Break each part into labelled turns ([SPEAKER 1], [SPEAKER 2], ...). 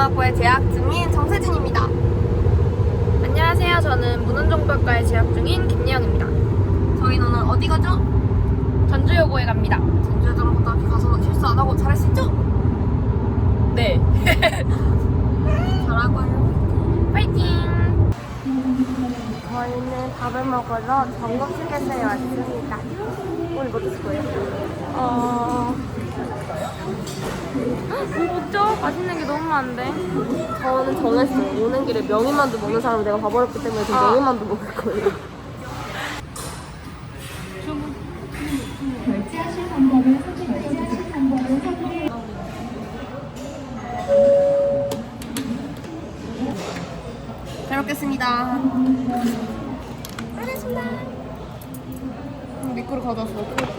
[SPEAKER 1] 문헌정보학과에 재학 중인 정세진입니다.
[SPEAKER 2] 안녕하세요. 저는 문헌정보학과에 재학 중인 김예영입니다.
[SPEAKER 1] 저희는 오늘 어디 가죠?
[SPEAKER 2] 전주여고에 갑니다.
[SPEAKER 1] 전주여고등학교 가서 실수 안 하고 잘할 수 있죠?
[SPEAKER 2] 네.
[SPEAKER 1] 잘하고 하려고.
[SPEAKER 2] 파이팅!
[SPEAKER 1] 저희는 밥을 먹으러 전국휴게소에 왔습니다. 오늘 뭐 드실 거예요?
[SPEAKER 2] 뭐 먹죠? 맛있는 게 너무 많은데.
[SPEAKER 1] 저는 정했어요. 오는 길에 명이만두 먹는 사람을 내가 봐버렸기 때문에 지금 명이만두 먹을 거예요.
[SPEAKER 3] 결제하실 방법을 선택해
[SPEAKER 1] 잘 먹겠습니다. 알겠습니다. 미꾸를 가져왔어.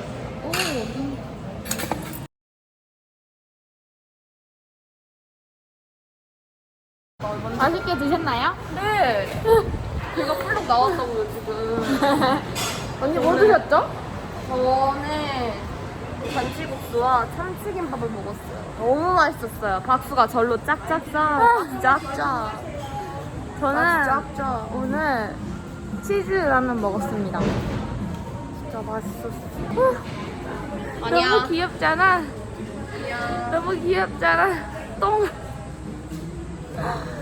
[SPEAKER 2] 맛있게 드셨나요?
[SPEAKER 1] 네. 배가 풀룩 나왔다고요 지금.
[SPEAKER 2] 언니 뭐 드셨죠?
[SPEAKER 1] 저는 잔치국수와 참치김밥을 먹었어요. 너무 맛있었어요. 박수가 절로 짝짝짝. 짝짝.
[SPEAKER 2] 저는
[SPEAKER 1] 짝짝.
[SPEAKER 2] 오늘 치즈 라면 먹었습니다.
[SPEAKER 1] 진짜 맛있었어.
[SPEAKER 2] 너무 귀엽잖아. 너무 귀엽잖아. 똥.